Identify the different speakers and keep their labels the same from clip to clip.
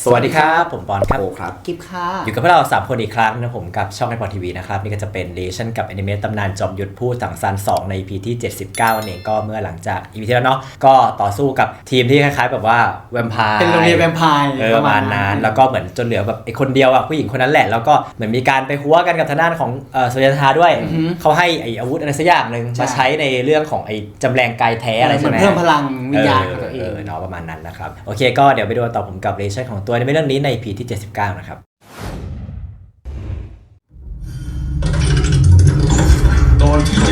Speaker 1: สวัสดีครับผมปอนครับ
Speaker 2: โอครับ
Speaker 3: กิฟค่ะ
Speaker 1: อยู่กับพวกเรา3คนอีกครั้งนะผมกับช่องไอพอทีวีนะครับนี่ก็จะเป็นเดชั่นกับแอนิเมตตำนานจอมยุทธพูดถังซาน2ใน EP ที่79นั่นเองก็เมื่อหลังจาก EP ที่แล้วเนาะก็ต่อสู้กับทีมที่คล้ายๆแบบว่าแวมไพร์
Speaker 3: เป็นโรงเรียนแวมไพร์
Speaker 1: ประมาณนั้นแล้วก็เหมือนจนเหลือแบบไอ้คนเดียวอ่ะผู้หญิงคนนั้นแหละแล้วก็เหมือนมีการไปหัวกันกับทางด้านของสุริยธาด้วยเขาให้ไอ้อาวุธอะไรสักอย่างนึงมาใช้ในเรื่องของไอ้จำแรงกายแท้อะไรใช่ไหม
Speaker 3: เพิ่มพลังวิญญาณของตัวเอง
Speaker 1: เนาะประมาณนั้นนะครับโอเคก็เดี๋ยวไปดูต่อผมกับเรชั่นของตัวในเรื่องนี้ใน EP ที่79นะครับ
Speaker 4: ตอนที่79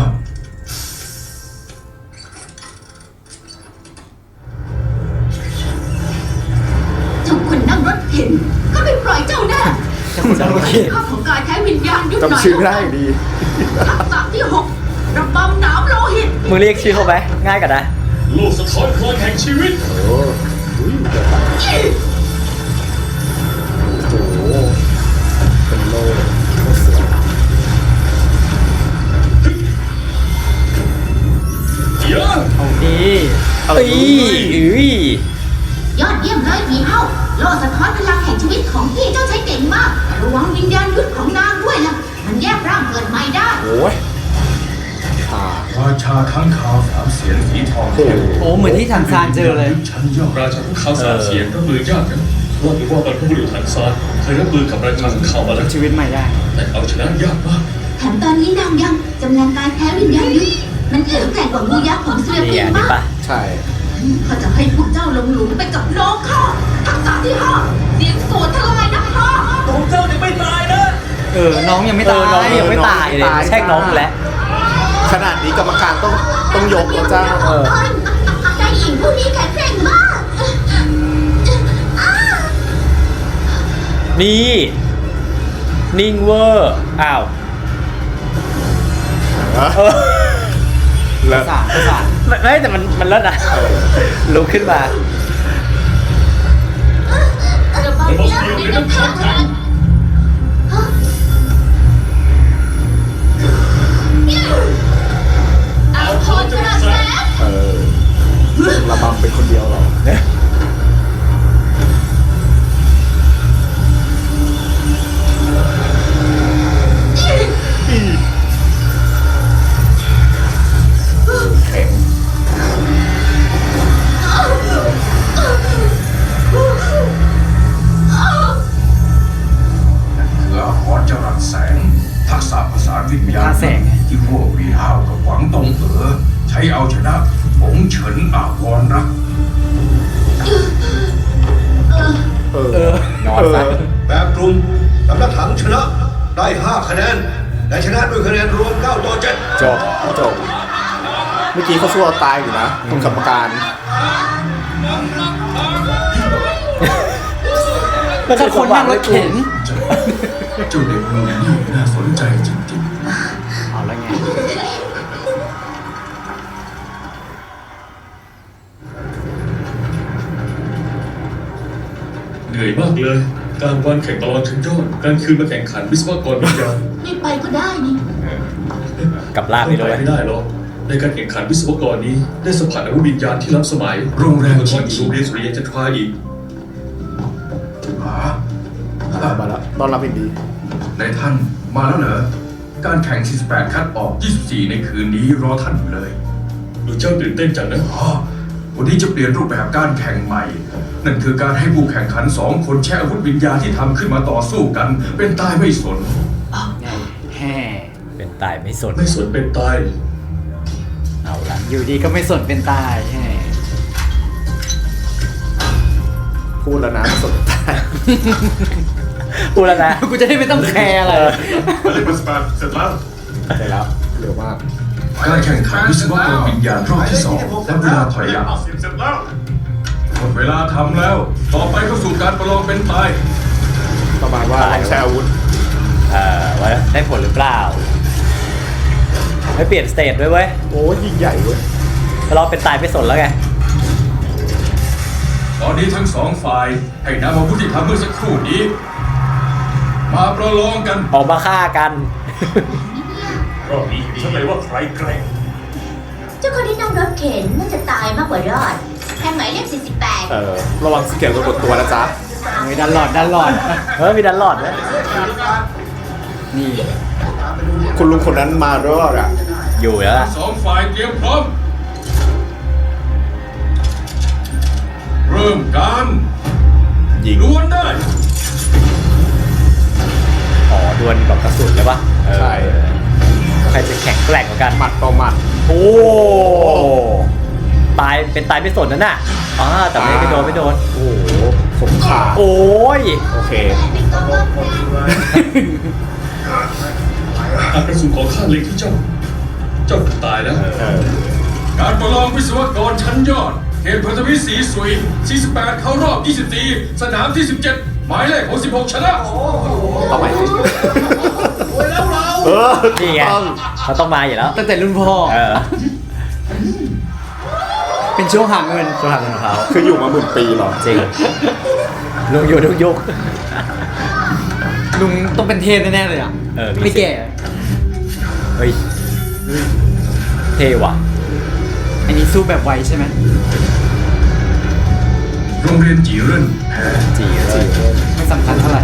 Speaker 5: เจ้าคนนั่งรถเข็นข้าไม่ปล่อยเจ้าแน่ข้าของกายแท้วิญญาณยุดหน่อย
Speaker 2: จำชื่อไม่ได้อยู่ดี
Speaker 5: ทักษะที่6ระบำหนามโลหิต
Speaker 1: มึงเรียกชื่อเขาไหมง่ายกว่านะ
Speaker 4: โลกสะท้อนพลังแห่งชีวิต
Speaker 2: โอ้เดี๋ยวไปโอ้โหเป็นโลกสวย
Speaker 4: เยอะ
Speaker 3: เอาดี
Speaker 1: เอ้ย
Speaker 5: ยอดเยี่ยมเลยผีเฮาโลสะท้อนพลังแห่งชีวิตของพี่เจ้าใช้เก่งมากระวังวิญญาณยุดของนางด้วยนะมันแยกร่างเกิดใหม่ได้
Speaker 2: โอ้ย
Speaker 4: ราชาข้างคาวสามเสียนสีทองเข้ม
Speaker 3: โอ้เหมือนที่ถังซานเจอเลย
Speaker 4: ชั้นยอดราชาข้างคาวสามเสียนรับมือยากนะว่ากันว่าบรรพบุรุษถังซานเคยรับมือกับราชาข้างคาวมาแล้ว
Speaker 3: ชีวิตใหม่ได้
Speaker 4: แต่เอาชนะยากมาก
Speaker 5: แถมตอนนี้นางยังจำแรงกายแท้วิญญาณยุดมันแข็งแกร่งกว่างูยักษ์ของเสือ
Speaker 1: นี่
Speaker 5: ปิง
Speaker 1: อันนี้
Speaker 5: มาก
Speaker 1: ปะ
Speaker 2: ใช่
Speaker 5: ข้าจะให้พวกเจ้าลงหลุมไปกับน้องข้าทักษะที่5เสียงโสดทลายนักฆ่า
Speaker 4: ของเจ้ายังไม่ตายนะ
Speaker 3: น้องยังไม่ตาย
Speaker 1: น้องยังไม่ตายเลยแช่งน้องอยู่แล้ว
Speaker 2: ขนาดนี้กรรมการต้องยกแล้วจ้า
Speaker 5: ใจหญิงผู้นี้แข็งแกร่งมาก
Speaker 1: นี่นิ่งเวอร์อ้าว
Speaker 2: แล้ว
Speaker 3: ภาษา
Speaker 1: ไม่แต่มันเลิศนะลุกขึ้นมา
Speaker 5: ระบำยักษ์ในน้ำข้างแข็งเอาพรกระแส
Speaker 2: ระบำเป็นคนเดียวเหรอเนี่ยแข็ง
Speaker 4: คืออาหรจรัสแสงทักษะภาษาวิญญาณที่พวกวีห้าวกับหวังตงใช้เอาชนะผงเฉินอาวรรัก
Speaker 2: นอนซะ
Speaker 6: แบบกลุ่มสำนักถังชนะได้ 5 คะแนนและชนะด้วยคะแนนรวม 9 ต่อ 7
Speaker 2: จบเมื่อกี้เขาสู้เราตายอยู่นะตรงกรรมการ
Speaker 1: มัน
Speaker 3: ถ้าคนนั่งรถเข็น
Speaker 4: เจ้าเด็กคนนี้น่าสนใจจริง
Speaker 3: เอาแล้วไง
Speaker 4: ๆเหนื่อยมากเลย การวันแข่งตลอดถึงยอดการคืนมาแข่งขันวิศวกรวิญญาณ
Speaker 5: ไม่ไปก็ได้นี่
Speaker 1: กับลาบ
Speaker 4: ไม่
Speaker 1: ไปด้วย
Speaker 4: ไม่ได้หรอกในการแข่งขันวิศวกรนี้ได้สัมผัสอาวุธวิญญาณที่ล้ำสมัย โรงแรมที่โรงเรียนสุริยันจันทราอีกหา
Speaker 2: มาแล้วต้อนรับอย่างดี
Speaker 4: ในท่านมาแล้วเหรอ การแข่ง 48 คัดออก 24 ในคืนนี้รอท่านอยู่เลยดูเจ้าตื่นเต้นจังนะอ๋อวันนี้จะเปลี่ยนรูปแบบการแข่งใหม่ นั่นคือการให้ผู้แข่งขัน2 คนแช่อาวุธวิญญาณที่ทำขึ้นมาต่อสู้กัน เป็นตายไม่สน
Speaker 3: แฮ่
Speaker 1: เป็นตายไม่สน
Speaker 4: ไม่สนเป็นตาย
Speaker 1: เอาละ
Speaker 3: อยู่ดีก็ไม่สนเป็นตายแฮ่
Speaker 2: พูดแล้วนะสนใจ
Speaker 1: พูดแล้วนะ
Speaker 3: กูจะได้ไม่ต้องแคร์อะไร
Speaker 4: มาเลยมาสปาเสร็จแล้ว
Speaker 2: ได้แล้วเร็วมาก
Speaker 4: การแข่งขันวิศวกรวิญญาณรอบที่2และเวลาถอยหลังหมดเวลาทำแล้ว ต่อไปเข้าสู่การประลองเป็นตาย
Speaker 2: ประมาณว่าลองใช้อาวุธ
Speaker 1: ว่าได้ผลหรือเปล่าไม่เปลี่ยนสเตจด้วยเว้ย
Speaker 2: โอ้ยิ่งใหญ่เว้ย
Speaker 1: เราเป็นตายไม่สนแล้วไง
Speaker 4: ตอนนี้ทั้งสองฝ่ายให้นำอาวุธที่ทำเมื่อสักครู่นี้ มาประลองกัน
Speaker 1: ออกมาฆ่ากัน
Speaker 4: รอบนี้ฉันเลยว่าใครแกร่ง
Speaker 5: เจ้าคนที่นั่งรถเข็นน่าจะตายมากกว่ารอดแทนหมายเลข48
Speaker 2: ระวังสเกลตัวตัวนะจ๊ะ
Speaker 3: ไม่ดันหลอด
Speaker 1: มีดันหลอดด้วย
Speaker 3: นี่
Speaker 2: คุณลุงคนนั้นมาด้วยอ่ะ
Speaker 1: อยู่แล้วล่ะ
Speaker 4: สองฝ่ายเตรียมพร้อม เริ่มการ
Speaker 2: ยิง
Speaker 4: ดวลได้
Speaker 1: อ๋อดวลแบบกระสุนเลยปะเออ
Speaker 2: ใช่
Speaker 1: ใครจะแข็งแกร่งกว่ากัน
Speaker 2: หมัดต่อหมัด
Speaker 1: โอ้ตายเป็นตายไม่สนนั่นน่ะแต่ไม่โดน
Speaker 2: โอ้โหสมขา
Speaker 1: โอ้ย
Speaker 2: โอเค
Speaker 4: หากกระสุนของข้าเล็งที่เจ้าถูกตายแล้ว
Speaker 2: เออ
Speaker 4: การประลองวิศวกรชั้นยอดเขตพันธมิตรสีสุย 48 เข้ารอบ 24 สนามที่ 17 หมายเลข66 ชนะ
Speaker 2: ต่อไปเออ
Speaker 1: นี่ไงเขาต้องมาอยู่แล้ว
Speaker 3: ตั้งแต่รุ่นพ่อ
Speaker 1: เออ
Speaker 3: เป็นช่วงหาเงิน
Speaker 1: ช่วงทางของเขา
Speaker 2: คืออยู่มา10,000 ปีเหรอ
Speaker 1: จริงลุงอยู่ทุกยุค
Speaker 3: ลุงต้องเป็นเทพแน่ๆเลยอ่ะ
Speaker 1: เออมี
Speaker 3: ไม่แก่
Speaker 1: เฮ้ยเท่ว่ะ
Speaker 3: อันนี้สู้แบบไวใช่ไหม
Speaker 4: โรงเรียนจีเรินแพ้
Speaker 1: จีเลย
Speaker 3: ไม่สำคัญเท่าไหร่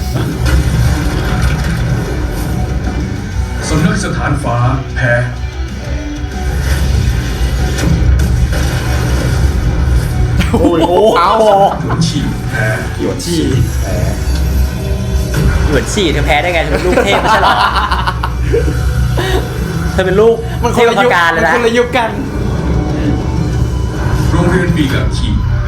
Speaker 4: สำนักสถานฟ้าแพ้
Speaker 2: โอ้ยเอา
Speaker 4: หลวนฉีแพ้
Speaker 2: หยวนชี่
Speaker 1: เหมือนฉี่เธอแพ้ได้ไงเธอเป็นลูกเทพไม่ใช่เหรอเธอเป็นลูก
Speaker 3: มันค
Speaker 1: เท
Speaker 3: น
Speaker 1: พ
Speaker 3: ละ
Speaker 1: ป
Speaker 3: ยุค
Speaker 1: ระการเล
Speaker 3: มั
Speaker 1: ย
Speaker 3: น
Speaker 1: นะ
Speaker 3: คนละยุคกัน
Speaker 4: โรงเรียนปีกับฉีแพ้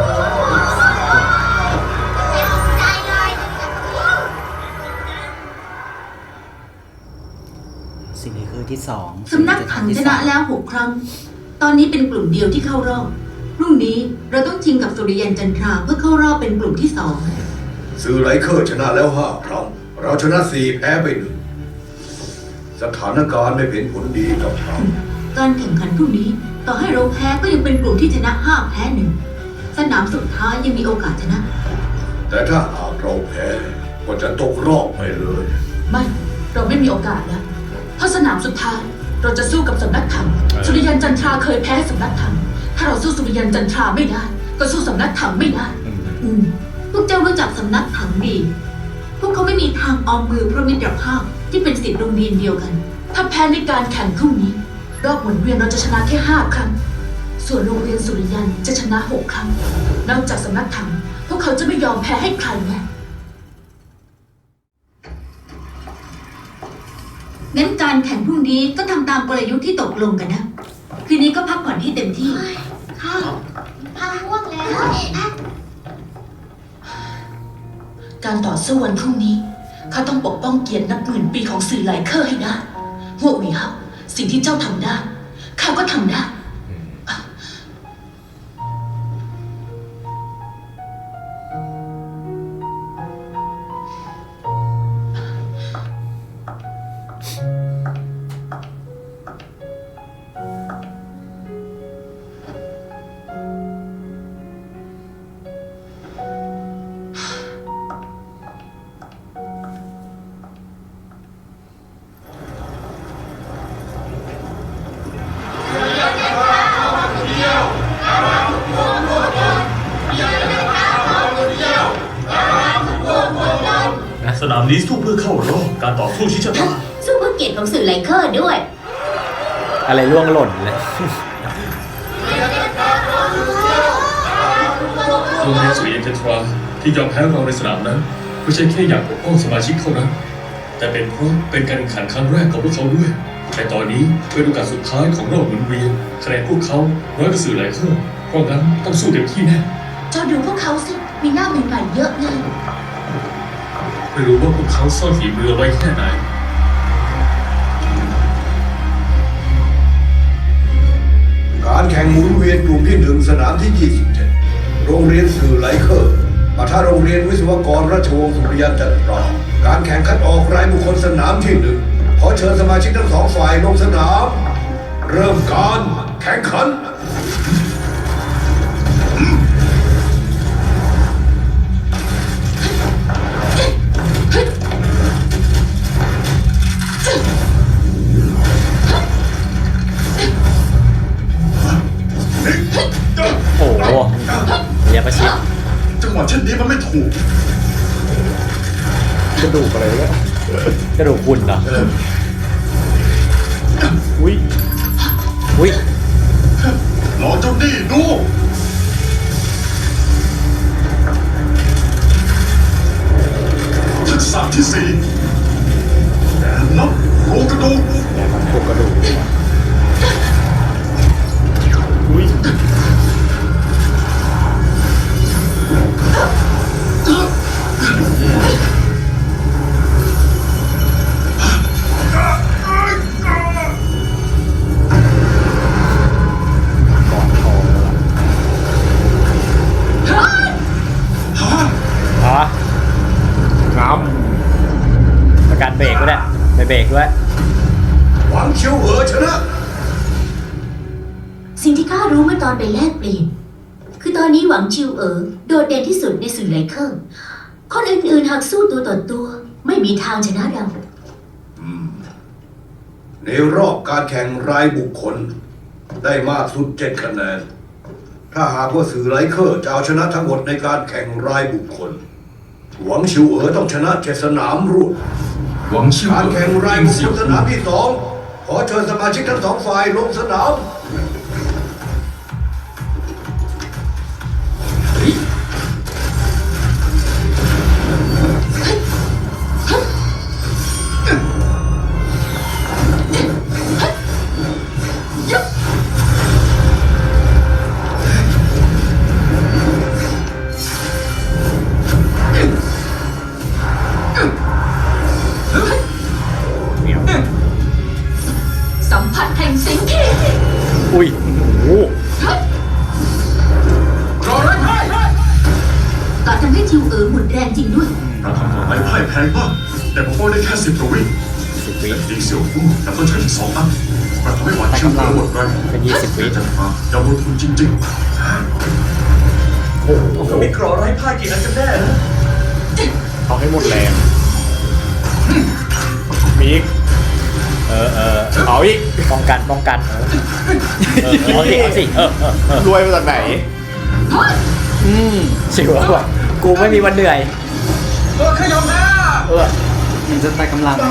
Speaker 3: สิ่งนี้คือที่สอง
Speaker 5: สำนักถังชนะแล้ว 6 ครั้ง ตอนนี้เป็นกลุ่มเดียวที่เข้ารอบ พรุ่งนี้เราต้องชิงกับสุริยันจันทราเพื่อเข้ารอบเป็นกลุ่มที่
Speaker 6: สื่อไหลเคอร์ชนะแล้ว5 ครั้ง เราชนะ4 แพ้ไป1 สถานการณ์ไม่เป็นผลดีกับเรา
Speaker 5: 2 การแข่งขันพรุ่งนี้ ต่อให้เราแพ้ก็ยังเป็นกลุ่มที่ชนะ 5 แพ้ 1 สนามสุดท้ายยังมีโอกาสชนะ
Speaker 6: แต่ถ้าหากเราแพ้ก็จะตกรอบไปเลย
Speaker 7: ไม่ เราไม่มีโอกาสแล้ว เพราะสนามสุดท้าย เราจะสู้กับสำนักธรรมสุริยันจันทราเคยแพ้สำนักธรรมถ้าเราสู้สุริยันจันทราไม่ได้ ก็สู้สำนักธรรมไม่ได้
Speaker 5: พวกเจ้ารู้จักสำนักถังดี พวกเขาไม่มีทางออมมือเพราะมิตรภาพที่เป็นศิษย์โรงเรียนเดียวกัน
Speaker 7: ถ้าแพ้ในการแข่งพรุ่งนี้ รอบหมุนเวียนเราจะชนะแค่ 5 ครั้ง ส่วนโรงเรียนสุริยันจะชนะ 6 ครั้ง นอกจากสำนักธรรมพวกเขาจะไม่ยอมแพ้ให้ใครแน่
Speaker 5: งั้นการแข่งพรุ่งนี้ก็ทำตามกลยุทธ์ที่ตกลงกันนะ คืนนี้ก็พักผ่อนให้เต็มที่
Speaker 8: ค่ะพาง่วงแล้ว
Speaker 7: การต่อสู้วันพรุ่งนี้ข้าต้องปกป้องเกียรตินับหมื่นปีของสื่อหลายเคอร์ให้ได้หัวหวีเฮาสิ่งที่เจ้าทำได้ข้าก็ทำได้
Speaker 9: สนามนี้สู้เพื่อเข้ารอบการต่อสู้ชิงชะตา
Speaker 8: สู้เพื่อเกียรติของสื่อไลเคอร์ด้วย
Speaker 1: อะไรร่วงหล่นเลย
Speaker 4: โรงเรียนสุริยันจันทราที่ยอมแพ้เราในสนามนั้นไม่ใช่แค่อยากปกป้องสมาชิกเท่านั้น แต่เป็นเพราะเป็นการแข่งขันครั้งแรกของพวกเขาด้วย แต่ตอนนี้เป็นโอกาสสุดท้ายของรอบหมุนเวียนคะแนนพวกเขาน้อยกว่าสื่อหลายเครื่องเพราะงั้นต้องสู้เต็มที่แน่
Speaker 7: เจ้าดูพวกเขาสิ มีหน้าใหม่ๆเยอะเลย
Speaker 4: ไม่รู้ว่าพวกเขาซ่อนฝีมือเอาไว้แค่ไหน
Speaker 6: การแข่งหมุนเวียนกลุ่มที่ 1 สนามที่ 27 โรงเรียนสื่อไหลเคอร์ปะทะโรงเรียนวิศวกรราชวงศ์สุริยันจันทรา การแข่งคัดออกรายบุคคลสนามที่ 1 ขอเชิญสมาชิกทั้ง2 ฝ่ายลงสนาม เริ่มการแข่งขัน
Speaker 1: โอ้โหระยะประชิด
Speaker 9: จังหวะเช่นนี้มันไม่ถูก
Speaker 2: กระดูกอะไรเนี่ย
Speaker 1: กระดูกคุณเหรอ
Speaker 2: อุ้ย
Speaker 1: อุ้ย
Speaker 9: รอเจ้านี่ดูทักษะที่สี่แอนนับโครงกระดูก
Speaker 2: แม่มันพวกกระดูกอุ้ย ก่อนทองแล้วล่ะ
Speaker 1: อ๋อ
Speaker 2: น้
Speaker 1: ประการเบรกด้วยเนี่ยไปเบรกด้วย
Speaker 6: หวังเชียวเหอชนะ
Speaker 8: สิ่งที่ข้ารู้เมื่อตอนไปแลกเปลี่ยน คือตอนนี้หวังชิวโดดเด่นที่สุดในสื่อไหลเคอร์คนอื่นๆหากสู้ตัวต่อตัวไม่มีทางชนะเรา
Speaker 6: ในรอบการแข่งรายบุคคล ได้มากสุด7คะแนน ถ้าหากว่าสื่อไลเคอร์จะเอาชนะทั้งหมดในการแข่งรายบุคคล หวังชิวเหอต้องชนะ7สนามรวด
Speaker 4: หวังชิว
Speaker 6: การแข่งราย
Speaker 4: ยิง
Speaker 6: บุค
Speaker 4: เสี่
Speaker 6: ค
Speaker 4: ยว
Speaker 6: ลสนามที่2ขอเชิญสมาชิกทั้ง2ฝ่ายลงสนาม
Speaker 7: สัมผัสแห่งสิงคี
Speaker 1: อุ้ยโอ้โห
Speaker 5: การทำให้ชิวหมดแรงจริงด้วย
Speaker 9: การทำของไม้พ่ายแพงมากแต่ผมป้องได้แค่10กว่าวิ
Speaker 1: 10 วิ
Speaker 9: แต่ยิงเสี่ยวฟู่แต่ต้องใช้ถึง2 อันมันทำให้หวานชิวหมดแรง
Speaker 1: เป็น20 วิ
Speaker 9: จันทราอย่าลงทุนจริง
Speaker 1: โอ้โห
Speaker 9: ๆมีกรอไร้พ่ายกี่อันกันแน่นะ
Speaker 2: ำเอาให้หมดแรงมีอีกเอาอีก
Speaker 1: ป้องกันเอาสิ
Speaker 2: รวยมาจากไหน
Speaker 1: ชิวแล้วว่ะกูไม่มีวันเหนื่อย
Speaker 3: มันจะไปกำลัง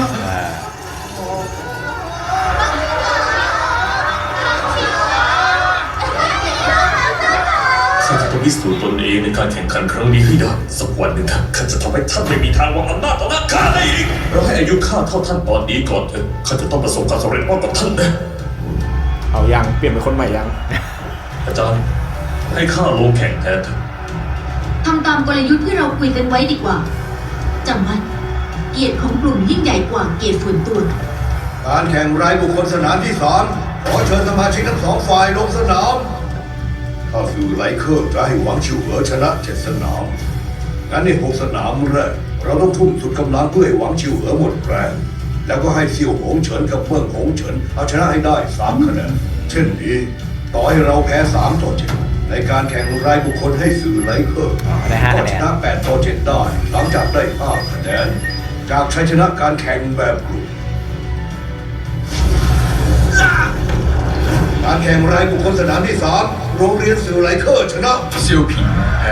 Speaker 9: ข้าจะต้องพิสูจน์ตนเองในการแข่งขันครั้งนี้ให้ได้สักวันหนึ่งข้าจะทำให้ท่านไม่มีทางวางอำนาจต่อหน้าข้าได้อีกเราให้อายุข้าเท่าท่านตอนนี้ก่อนเถอะข้าจะต้องประสบความสำเร็จมากกว่าท่านนะ
Speaker 2: เอายังเปลี่ยนเป็นคนใหม่ยัง
Speaker 9: อาจารย์ให้ข้าลงแข่งแทนเถอะ
Speaker 5: ทำตามกลยุทธ์ที่เราคุยกันไว้ดีกว่าจำไว้เกียรติของกลุ่มยิ่งใหญ่กว่าเกียรติส่วนตัว
Speaker 6: การแข่งรายบุคคลสนามที่3ขอเชิญสมาชิกทั้ง2ฝ่ายลงสนาม ถ้าสื่อไลเคอร์จะให้หวังชิวเหอชนะ7สนามงั้นใน6สนามแรกเราต้องทุ่มสุดกำลังเพื่อให้หวังชิวเหอหมดแรงแล้วก็ให้เซี่ยวหงเฉินกับเมืองหงเฉินเอาชนะให้ได้3คะแนนเช่นนี้ต่อให้เราแพ้3ต่อ7ในการแข่งรายบุคคลให้สื่อไลเคอร์
Speaker 1: ได้5
Speaker 6: ก็
Speaker 1: คะแน
Speaker 6: ช
Speaker 1: น
Speaker 6: นะ8ต่อ7ได้หลังจากได้5คะแนนจากชัยชนะการแข่งแบบกลุ่มการแข่งรายบุคคลสนามที่3โรงเรียนสื่อไลเคอร์ชนะ
Speaker 4: เซียวผิงแพ้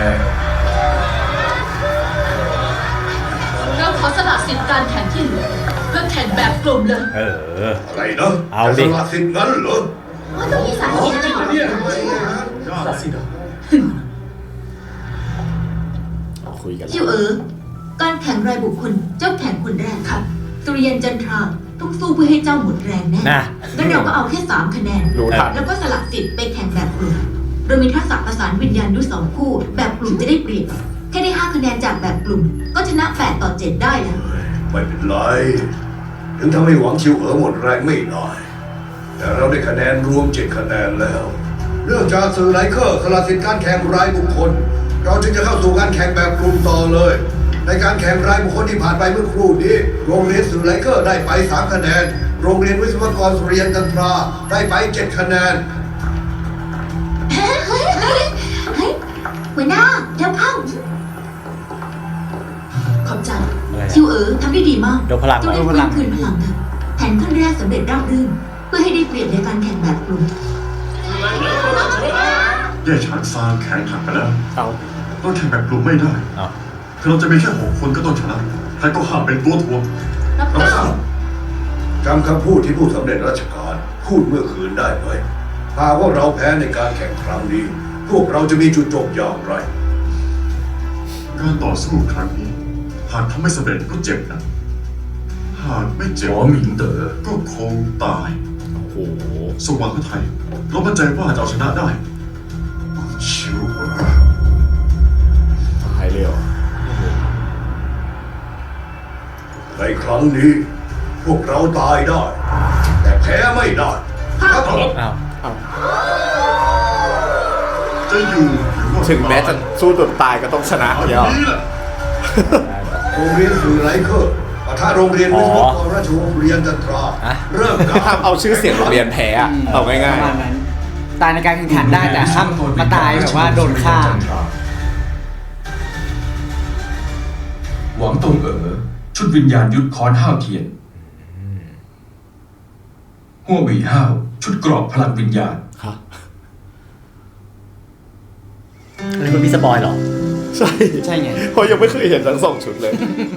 Speaker 7: เราขอสละสิทธิ์การแข่งที่เหลือเพื่อแข่งแบบกลุ่มเลย
Speaker 6: อะไรนะ
Speaker 1: เอาดิ
Speaker 6: จะสละสิทธิ์งั้นเหรอ
Speaker 8: ว่าต้องมีสาเหตุอะไรของมัน
Speaker 9: ตัดสิน
Speaker 2: คุยกัน
Speaker 5: ชิวการแข่งรายบุคคลเจ้าแข่งคนแรกครับสุริยันจันทราต้องสู้เพื่อให้เจ้าหมดแรงแน่
Speaker 1: นะ
Speaker 5: งั้นเราก็เอาแค่3คะแนน
Speaker 2: รู้ทัน
Speaker 5: แล้วก็สละสิทธิ์ไปแข่งแบบกลุ่มโดยมีทักษะประสานวิญญาณยุทธ2คู่ แบบกลุ่มจะได้เปรียบแค่ได้5คะแนนจากแบบกลุ่ม ก็ชนะ8ต่อ7ได้แล้ว
Speaker 6: ไม่เป็นไร ถึงทำให้หวังชิวหมดแรงไม่ได้แต่เราได้คะแนนรวม7คะแนนแล้วเนื่องจากสื่อไลเคอร์สละสิทธิ์การแข่งรายบุคคล เราจึงจะเข้าสู่การแข่งแบบกลุ่มต่อเลย ในการแข่งรายบุคคลที่ผ่านไปเมื่อครู่นี้โรงเรียนสื่อไลเคอร์ได้ไป3คะแนนโรงเรียนวิศวกรสุริยันจันทราได้ไป7คะแนน
Speaker 5: เฮ้ยหัวหน้าเดี๋ยวเข้า ขอบใจ
Speaker 1: อะไรอะ
Speaker 5: ชิวทำได้ดีมาก
Speaker 1: ยกพลัง
Speaker 5: เจ้าได้
Speaker 1: เหรอ
Speaker 5: ฟื้นคืนพลังเถอะแผนขั้นแรกสำเร็จราบรื่น เพื่อให้ได้เปรียบในการแข่งแบบกลุ่ม
Speaker 9: แย่ฉานซางแข็งหักไปแล้ว
Speaker 2: เอา
Speaker 3: ต้องแข่งแบบกลุ่มไม่ได้
Speaker 1: อ้าว
Speaker 3: คือเราจะมีแค่6 คนก็ต้องชนะใครก็ห้ามเป็นตัวถ่วง
Speaker 7: รับทราบ
Speaker 6: จำคำพูดที่ผู้สำเร็จราชการพูดเมื่อคืนได้ไหมหากว่าเราแพ้ในการแข่งครั้งนี้ พวกเราจะมีจุดจบอย่างไร
Speaker 3: การต่อสู้ครั้งนี้หากทำไม่สำเร็จก็เจ็บนะหากไม่เจ็บ
Speaker 4: หมอหมิงเต๋อ
Speaker 3: ก็คงตาย
Speaker 2: โอ้โห
Speaker 3: สว่างพระไทยเรามั่นใจว่าจะเอาชนะได้ชิวเหรอ
Speaker 2: หายเร็ว
Speaker 6: ในครั้งนี้ พวกเราตายได้ แต่แพ้ไม่ได้ครับผม
Speaker 1: อ้าว
Speaker 3: จะอยู่หรือว่า
Speaker 2: ถึงแม้จะสู้จนตายก็ต้องชนะ
Speaker 3: เอาอ
Speaker 2: เดี
Speaker 3: ย่า
Speaker 2: ยว
Speaker 3: งนี้แหละ
Speaker 6: โรงเรียนสื่อไลเคอร์ปะทะโรงเรียนวิศวกรราชวงศ์สุริยันจันทรา
Speaker 1: อ่ะ
Speaker 6: เริ่มการ
Speaker 2: ห้ามเอาชื่อเสียงโรงเรียนแพ้อะเอาง่าย
Speaker 10: ประมาณนั้นตายในการแข่งขันได้แต่ห้ามมาตายแบบว่าโดนฆ่า
Speaker 4: หวังตงเอ๋อชุดวิญญาณยุทธค้อนห้าวเทียนหัวหวี่ห้าวชุดกรอบพลังวิญญาณ
Speaker 2: ๆค่ะ
Speaker 1: อันนี้มันมีสปอยเหรอ
Speaker 2: ใช่
Speaker 10: ใช่ไง
Speaker 2: เพราะยังไม่เคยเห็นทั้ง2 ชุดเลย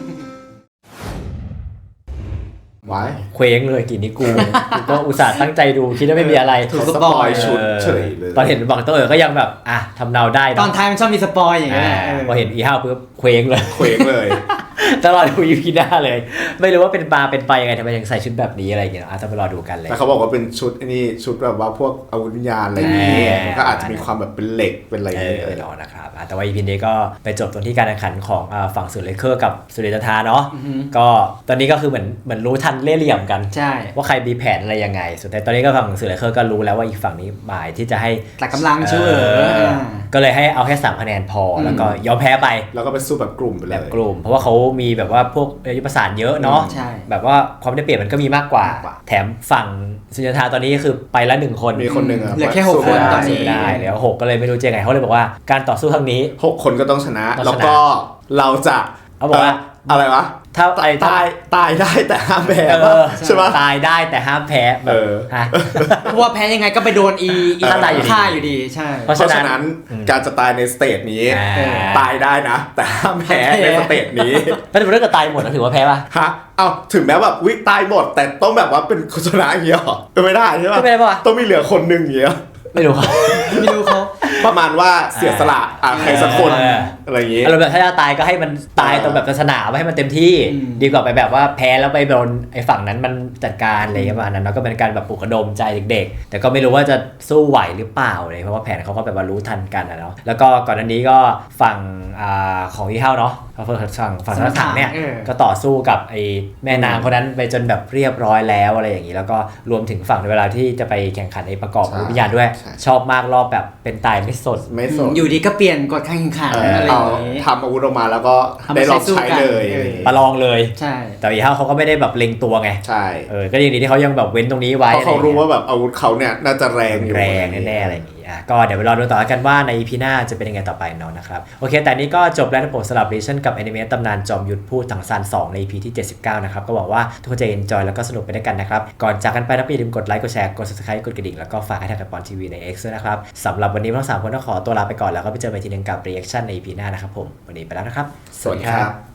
Speaker 2: ไว้
Speaker 1: เคว้งเลยกินนี้กูก็อุตส่าห์ตั้งใจดูคิดว่าไม่มีอะไร
Speaker 10: ถูก
Speaker 2: สปอยชุดเฉยเลย
Speaker 1: ตอนเห็นบังเตอร์ก็ยังแบบอ่ะทำเนาได้เะ
Speaker 10: ตอนท้ายมันชอบมีสปอยอย่างเงี้ยเออ
Speaker 1: พอเห็นอีห้าวปุ๊บเคว้งเลย
Speaker 2: เคว้งเลย
Speaker 1: จะรอดูอีพีหน้าเลย ไม่รู้ว่าเป็นปลาเป็นไปยังไงทำไมยังใส่ชุดแบบนี้อะไรอย่างเงี้ยอาจจะไปรอดูกันเลย
Speaker 2: แต่เขาบอกว่าเป็นชุดไอ้นี่ชุดแบบว่าพวกอาวุธวิญญาณอะไรอย่างเงี้ย
Speaker 1: แหม
Speaker 2: ก็อาจจะมีความแบบเป็นเหล็กเป็นอะไรอย่างเงี้ย
Speaker 1: ไปรอนะครับแต่ว่าอีพีนี้ก็ไปจบตรงที่การแข่งขันของฝั่งสุดเลเคอร์กับสุริยนทราเนาะก็ตอนนี้ก็คือเหมือนรู้ทันเล่ห์เหลี่ยมกัน
Speaker 10: ใช่
Speaker 1: ว่าใครมีแผนอะไรยังไงสุดท้ายตอนนี้ก็ฝั่งสุดเลเคอร์ก็รู้แล้วว่าอีกฝั่งนี้หมายที่จะให้
Speaker 10: แต่กำลังชื่ออ่า
Speaker 1: ก็เลยให้เอาแค่3คะแนนพอแล้วก็ยอมแพ้ไป
Speaker 2: แล้วก็ไปสู้แบบกลุ่มไปเล
Speaker 1: แบบ
Speaker 2: ย
Speaker 1: กลุ่มเพราะว่าเขามีแบบว่าพวกยุทธประสานเยอะเนาะ
Speaker 10: ใช่
Speaker 1: แบบว่าความได้เปรียบมันก็มีมากกว่า แถมฝั่งสุญญทาตอนนี้คือไปละ1 คน
Speaker 2: มีคนหนึ่งอะ
Speaker 10: เหลือแค่6 คนตอนนี้
Speaker 1: สู้ไม่ได้แล้ว6ก็เลยไม่รู้จะยังไงเขาเลยบอกว่าการต่อสู้ครั้งนี้
Speaker 2: 6 คนก็ต้องชนะ
Speaker 1: ต้องชนะ
Speaker 2: แล้วก็เราจะ
Speaker 1: เขาบอกว่า
Speaker 2: อะไรวะ
Speaker 1: ถ้าไป
Speaker 2: ตายได้แต่ห้ามแพ้
Speaker 1: ใช่
Speaker 2: ใช่ปะ
Speaker 1: ตายได้แต่ห้ามแพ้แบบ
Speaker 2: ฮะ
Speaker 10: เพราะว่าแพ้ยังไงก็ไปโดนอี
Speaker 1: ฆ่าตายอยู่ดี
Speaker 10: ฆ่าอยู่ดีใช่
Speaker 1: เพราะ
Speaker 2: เพ
Speaker 1: ฉะ
Speaker 2: ราะ
Speaker 1: นั้
Speaker 2: ฉะ
Speaker 1: น
Speaker 2: นั้นการจะตายในสเตจนี้ ตายได้นะ แต่ห้ามแพ้ในสเตจนี้
Speaker 1: ถ้าสมมติถ้าเกิดตายหมดแล้วถือว่าแพ้ป่ะ
Speaker 2: ฮะเอาถึงแม้แบบวิตายหมด แต่ต้องแบบว่าเป็นคนชนะอย่างเงี้ยหรอไม่ได้ใช่ปะ
Speaker 1: ไม่ได้ปะ
Speaker 2: ต้องมีเหลือคนหนึ่งอย่างเงี้ย
Speaker 1: ไม่รู้ครับ
Speaker 10: ไม่รู้เขา
Speaker 2: ประมาณว่าเสียสละใครสักคน
Speaker 1: เออ
Speaker 2: อะไรอย่างงี้
Speaker 1: อารมณ์แบบถ้าจะตายก็ให้มันตายตรงแบบศาสนาให้มันเต็มที่ ดีกว่าไปแบบว่าแพ้แล้วไปโดนไอ้ฝั่งนั้นมันจัดการอะไรประมาณนั้นแล้วก็เป็นการแบบปลุกระดมใจเด็กๆ แต่ก็ไม่รู้ว่าจะสู้ไหวหรือเปล่าเลยเพราะว่าแผนเขาก็แบบว่ารู้ทันกันนะเนาะแล้วก็ก่อนหน้านี้ก็ฝั่งของอีเฮาเนาะฝั่งสนักถังเนี่ยก็ต่อสู้กับไอ้แม่นางคนนั้นไปจนแบบเรียบร้อยแล้วอะไรอย่างนี้แล้วก็รวมถึงฝั่งในเวลาที่จะไปแข่งขันในประกอบวิญญาณด้วย ชอบมากรอบแบบเป็นตายไม่สน
Speaker 2: ไม่สน
Speaker 10: อยู่ดีก็เปลี่ยนกฎการแข่งขันอะไรอ
Speaker 2: เอา
Speaker 10: ย่างงี้
Speaker 2: ทำอาวุธออกมาแล้วก็
Speaker 10: เอามา
Speaker 2: ได้ลองใช้
Speaker 10: ใช้สู้กัน
Speaker 2: เลย
Speaker 1: ประลองเลย
Speaker 10: ใช่
Speaker 1: แต่อีเฮาเขาก็ไม่ได้แบบเล็งตัวไง
Speaker 2: ใช่
Speaker 1: ก็ยังดีที่เขายังแบบเว้นตรงนี้ไว้
Speaker 2: เพราะเขารู้
Speaker 1: อะไอย่งงี้ย
Speaker 2: ว่าแบบอาวุธเขาเนี่ยน่าจะแรงอยู่
Speaker 1: แรงแน่ๆอะไรอย่างงี้ก็เดี๋ยวไปรอดูต่อกันว่าใน EP หน้าจะเป็นยังไงต่อไปเนาะนะครับโอเคแต่นี้ก็จบแล้วนะผมสำหรับเรชั่นกับแอนิเมตตำนานจอมยุทธพูดถังซาน2ใน EP ที่79นะครับก็หวังว่าทุกคนจะ enjoy แล้วก็สนุกไปด้วยกันนะครับก่อนจากกันไปนะอย่าลืมกดไลค์กดแชร์กด subscribe กดกระดิ่งแล้วก็ฝากให้ทางกับปอนทีวีใน X ด้วยนะครับสำหรับวันนี้ทั้ง3คนต้องขอตัวลาไปก่อนแล้วก็ไปเจอกันอีกทีนึงกับ reaction ใน EP หน้านะครับผมวันนี้ไปแล้วนะครับ
Speaker 2: สวัสดีครับ